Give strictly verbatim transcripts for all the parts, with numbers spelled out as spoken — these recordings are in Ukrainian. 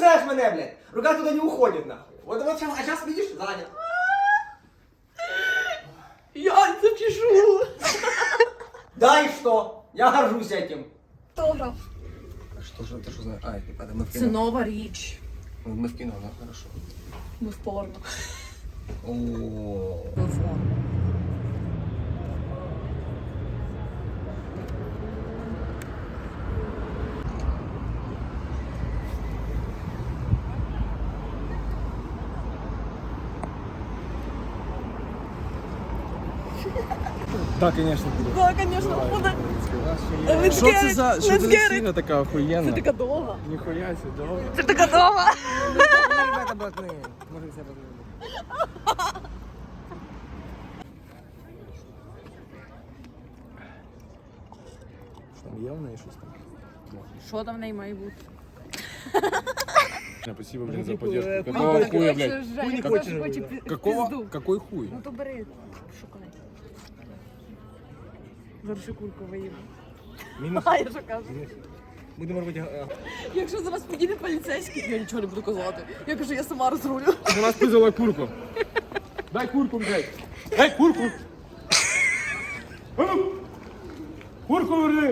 трясешь меня, блядь? Рука туда не уходит, нахуй. Вот, вот сейчас, а сейчас видишь, занят. Я запишу. Да и что? Я горжусь этим. Автограф. Что же, ты что знаешь? А, это мы в Це кино. нова річ. Мы в кино, да, хорошо. Ми в порно. О, Телефон. Так, конечно, буде. Так, звісно, буде. Що це за, що це за сіна така охуєнна? Це така довга. Ніхуя себе, довго. Це така довга. ребята блатные. Может, все подумали. Що там є в неї щось там? Що там в неї має бути? Спасибо, блин, за поддержку. Ну, Какого так, хуя, якщо блядь? Женя Хуй не хоче, хочешь? хоче пі- Какого? пізду. Какой хуй? Ну то бери, шукай. Зараз ще курку виїду. Мінус. А, я що кажу? Будемо робити... Якщо зараз підійде поліцейський, я нічого не буду казати. Я кажу, я сама розрулю. У нас пизала курку. Дай курку, блядь. Дай курку. А ну! Курку верни.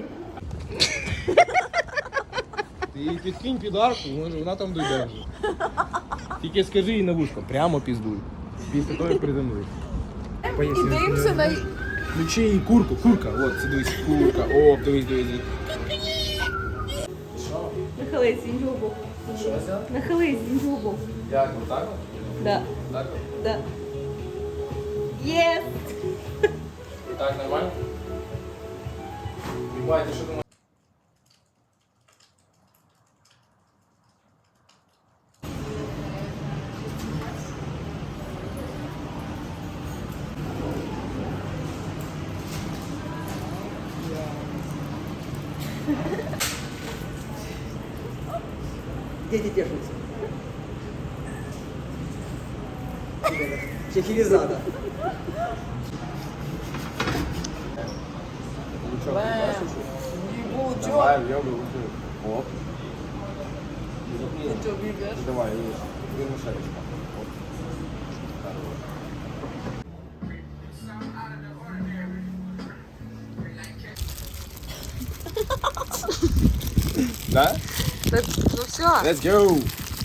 Ти їй підкинь підарку, може вона там дойде вже. Тільки скажи їй на вушко, прямо піздуй. Після того, як приземлиш. І дивимося на... Включи їй курку, курка, от, це дивись, курка, о, дивись, дивись. Нахились з іншого боку. Нахились з іншого боку. Як, отак? Да. Так? Да. Єс! Так, нормально? Ебать, ти що думаєш? Дети тешутся. Чехилизада. Давай, йоби, лучше. Оп. Ти чого бігаєш? Давай, видишь. Две мушарочка. Оп. Да? Ну все. Let's go!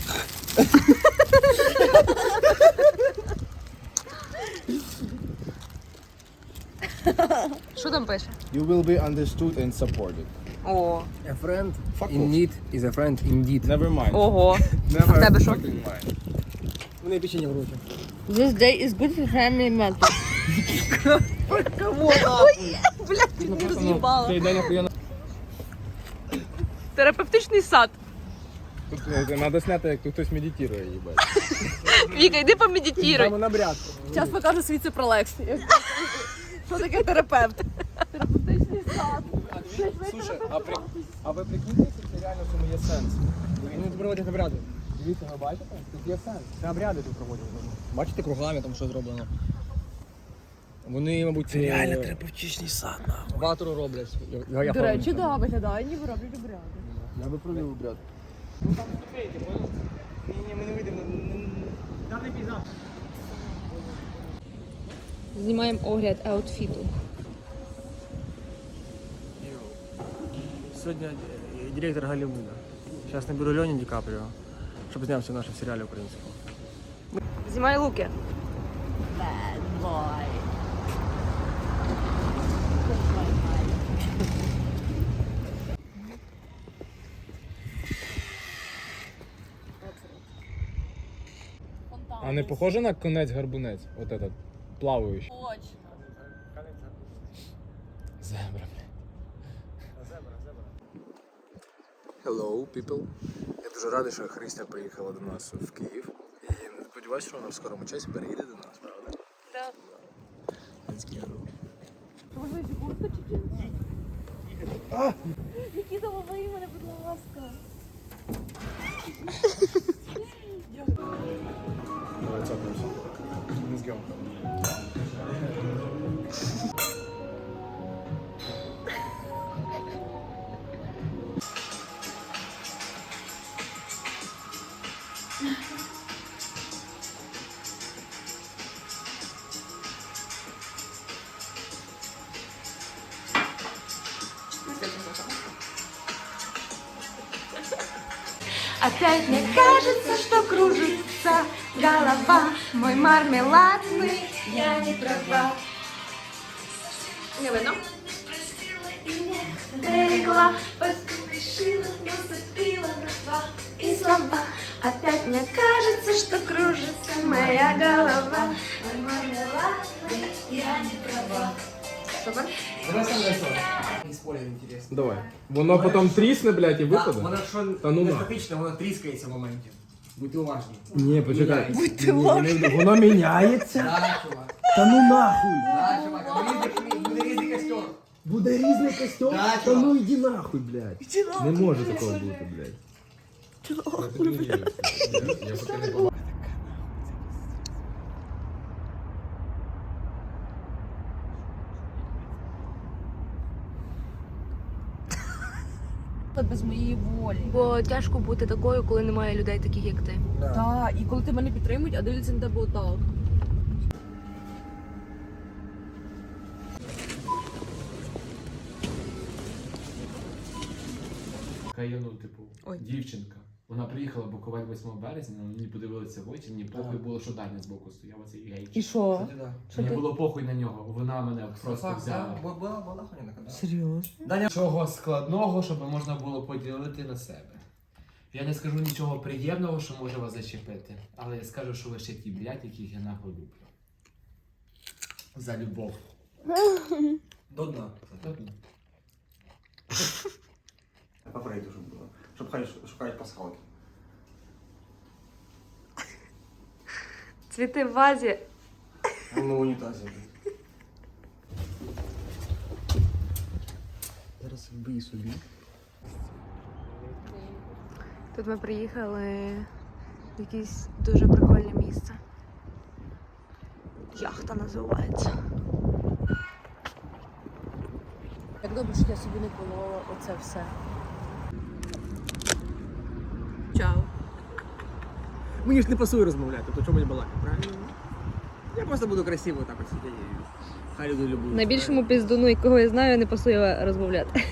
Що там пише? You will be understood and supported. О. A friend Fuck in off. need is a friend indeed. Never mind. Ого. Never А в тебе що? fucking mind. Мне печенье в руки. This day is good for family mental. Кого нахуй? Блядь, ти не роз'їбала. Цей день охуєнно. Терапевтичний сад. Тут е, треба зняти, як тут хтось медитує, їбать. Віка, йди помедитуй. Там на бряд. Зараз покажу свій це про Лексі. Що таке терапевт? Терапевтичний сад. Слушай, а, при... а ви прикиньте, це реально в цьому є сенс. Вони тут проводять обряди. Дивіться, ви бачите? Тут є сенс. Це обряди тут проводять. Бачите, кругами там що зроблено. Вони, мабуть, це реально терапевтичний сад, нахуй. ватру роблять. Я, я До речі, да, виглядає, ніби роблять обряди. Я би провів обряд. Ні, ми не вийдемо. Даний пейзаж. Знімаємо огляд аутфіту. Сьогодні директор Голлівуда. Зараз наберу Льоні Ді Капріо, щоб знявся в нашому серіалі українському. Знімай луки. Bad boy. А не похоже на конець-гарбунець? Вот этот, плаваючий. Точно. Зебра, Hello, people. Я дуже радий, що Христя приїхала до нас в Київ. І сподіваюся, що вона в скорому часі переїде до нас, правда? Так. Let's go. Можливо, куртка чи джинси? Нікіта, лови мене, будь ласка. Давай цапнемося. Let's go. Опять мне кажется, что кружится голова. Мой мармеладный, я не права. Не видно? Берегла, поспешила, наступила на два и слова. Опять мне кажется, что кружится моя голова. Мой мармеладный, я не права. Супер? Давай сам рисуй. Не спойлер, интересно. Давай. Воно потім трісне, блядь, і Да, випаде? воно якщо Та ну не на. статично, воно тріскається в моменті. Будьте уважні. Ні, почекай. Міняється. Ні, ні, Воно міняється? Да, чувак. Та ну нахуй. Да, чувак, буде різний- буде різний костюм. Буде різний костюм? Да, Та чувак. ну йди нахуй, блядь. Не може такого бути, блядь. Я поки не побачив. Без моєї волі. Бо тяжко бути такою, коли немає людей таких, як ти. Так, і коли ти мене підтримують, а дивляться на тебе отак. Каяну, типу, Ой. дівчинка. Вона приїхала букувати восьмого березня, але мені подивилися в очі, мені похуй було, що Даня збоку стояв, оцей гейч. І що? Кстати, да. Що Мені ти? було похуй на нього, вона мене просто Факт, взяла. да, була, була хуйня така. Серйозно? Даня, Нічого складного, щоб можна було поділити на себе. Я не скажу нічого приємного, що може вас зачепити, але я скажу, що ви ще ті блядь, яких я нахуй люблю. За любов. до дна. Тобто, По Фрейду, щоб було. Щоб хай шукають пасхалки. Цвіти в вазі. Ну, в унітазі. Зараз вбий собі. Тут ми приїхали в якесь дуже прикольне місце. Яхта називається. Як добре, що я собі не колола оце все. Чао. Мені ж не пасує розмовляти, то чому мені балакати, правильно? Я просто буду красиво так от сидіти. і Хай люди люблять. Найбільшому піздуну, якого я знаю, не пасує розмовляти.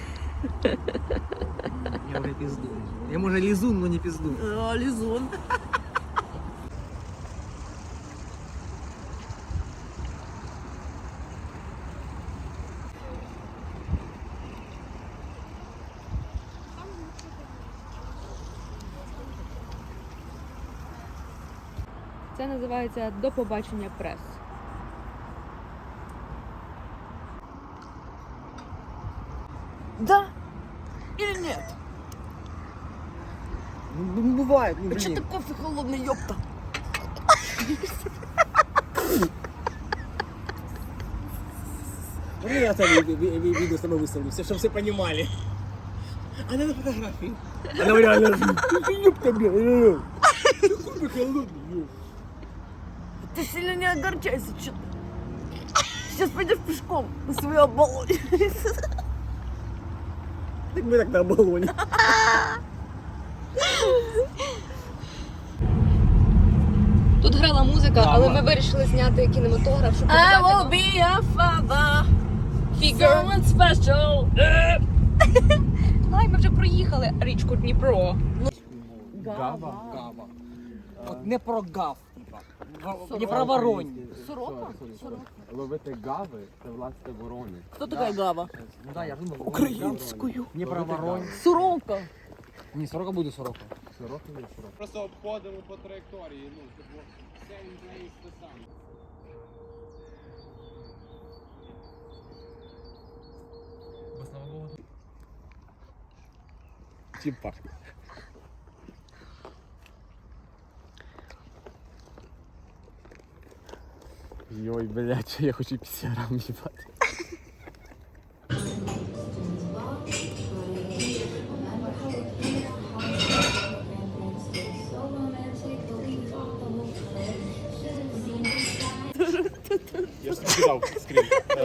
Я вже пізду. Я може лізун, але не пізду. О, лізун. Це називається «До побачення прес». Да? Или нет? Ну, ну буває, ну А че блін. ты кофе холодный, ёпта? Ну я це ви- ви- ви- відео з тобою виставлю, все, щоб всі розуміли. А не на фотографії. Вона реально ёпта, бля, реально. Кофе холодний, ёпта. Ты сильно не огорчайся, что ты. Сейчас пойдешь пешком на свою оболонь. Так ми так на оболоні. Тут грала музика, але ми вирішили зняти кінематограф, щоб I will показати be a father. фігур. Someone special. Ай, ми вже проїхали річку Дніпро. Гава? Гава. От не про гав, типа. Не про воронь. Сорока? Ловити гави це власне ворони. Кто такая Гава? Ну да, я ж думав. Українською. Не про воронь. Сорока. Ні, сорока буде сорока. Сорока є сорока. Просто обходимо по траєкторії, ну, типу, same place the sun. бо слава Богу, Чим пахне? Йой, блядь, я хочу пісярам їбати. Я ж кидав скрін.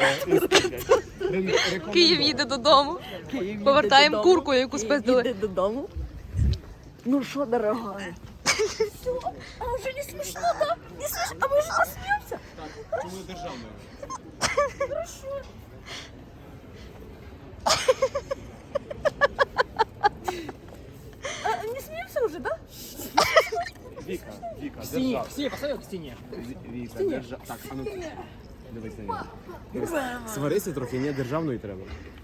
Київ їде додому. Повертаємо курку, яку спиздили. Іди додому. Ну що, дорогая? Все? А уже не смешно, да? Не смешно? А мы же посмеемся? Чому державною? Хорошо. А, не смеемся уже, да? стіні, к стіні, поставив к стіні. Віка, держа... Так, а ну. Дивись на нього. Дивись. Сварися трохи, ні, державної треба.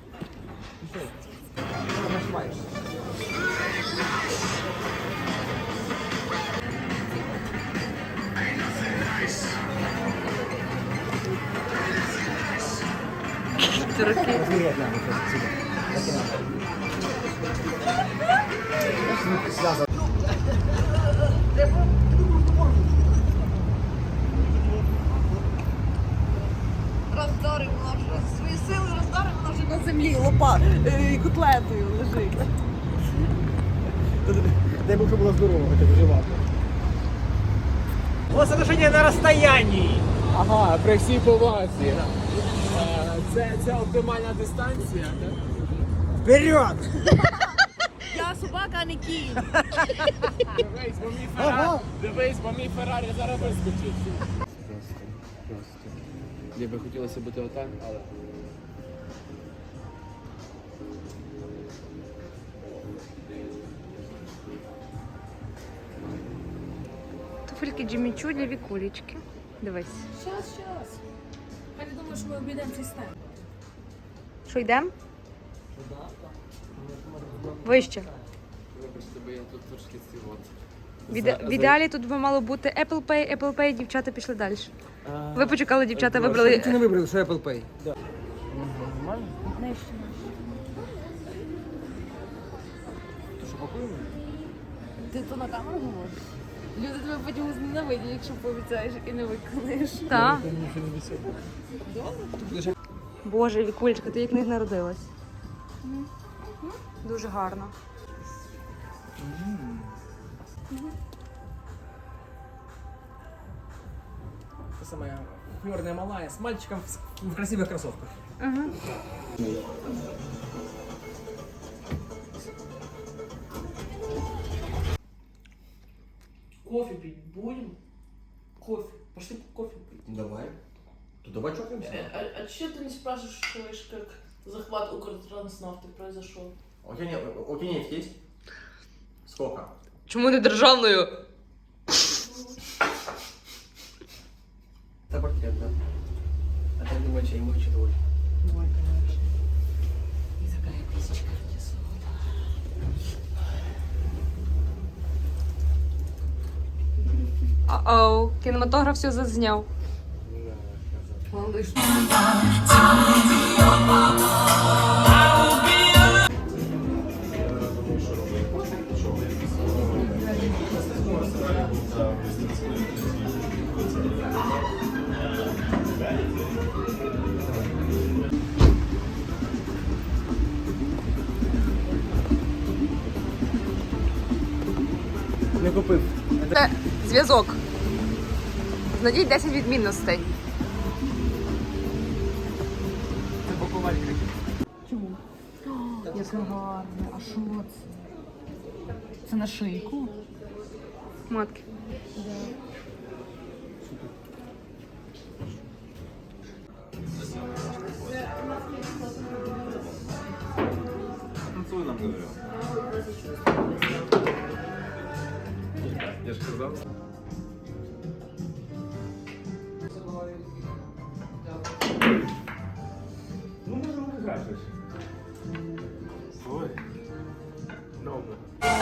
Роздорив вона вже свої сили, роздорив вона вже на землі, лопа, е, котлетою лежить. Дай Бог, щоб була здорова, хоча б жива. Ось отношення на розстоянні. Ага, при всій повазі. Е, Це, це оптимальна дистанція, так? Вперед! Я собака, а не кінь. Дивись, бо мій Феррарі, дивись, бо мій Феррарі зараз вискочить. Просто, просто. Мені би хотілося бути отак, але. Туфельки Джиммі Чу для Вікулечки. Дивись. Щас, щас. Я не думаю, що ми обійдемо цей стенд. Що, йдемо? Вище. Вибачте, бо я тут трошки цивот. В, іде... в ідеалі тут би мало бути Apple Pay, Apple Pay, дівчата пішли далі. Ви почекали, дівчата вибрали. Ти не вибрали, що Apple Pay. Ти то на камеру говориш? Люди тебе потім зненавидять, якщо пообіцяєш і не виконаєш. Так. Боже, Вікулечка, ти як в них народилась. Дуже гарно. Та самая хлёрная малая с мальчиком в, в красивых кроссовках. Угу. Кофе пить будем? Кофе. Пошли кофе пить. Давай. То давай чокнемся. Э, а, а че ты не спрашиваешь, как захват Укртранснафты произошел? У тебя, нет, у тебя нефть есть? Сколько? Чому не державною? Это портрет, да? А так думаю, чай ему еще довольно. Оу, кінематограф все зазняв. Не купив. Це зв'язок. Знайдіть десять відмінностей. Це бокувалька. Яке гарне, а що це? Це на шийку? Матки. Танцуй нам, говорю. Я ж казав. Ну, можемо виграти. Ой. Добре.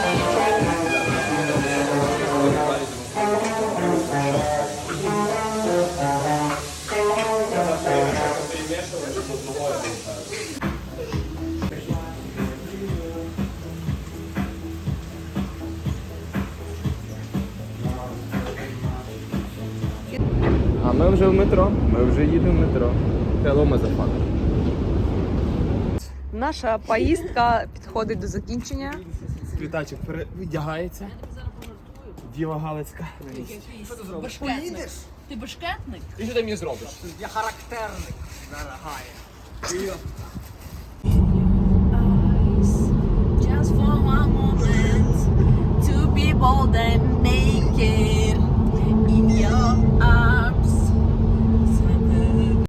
А ми вже в метро. Ми вже їдемо в метро. Hello, motherfucker. Наша поїздка підходить до закінчення. Квітачок перевдягається. Діва Галицька. Башкетник. Ти башкетник? І що ти мені зробиш? Я характерник. Дорогая. Just for one moment to be bold and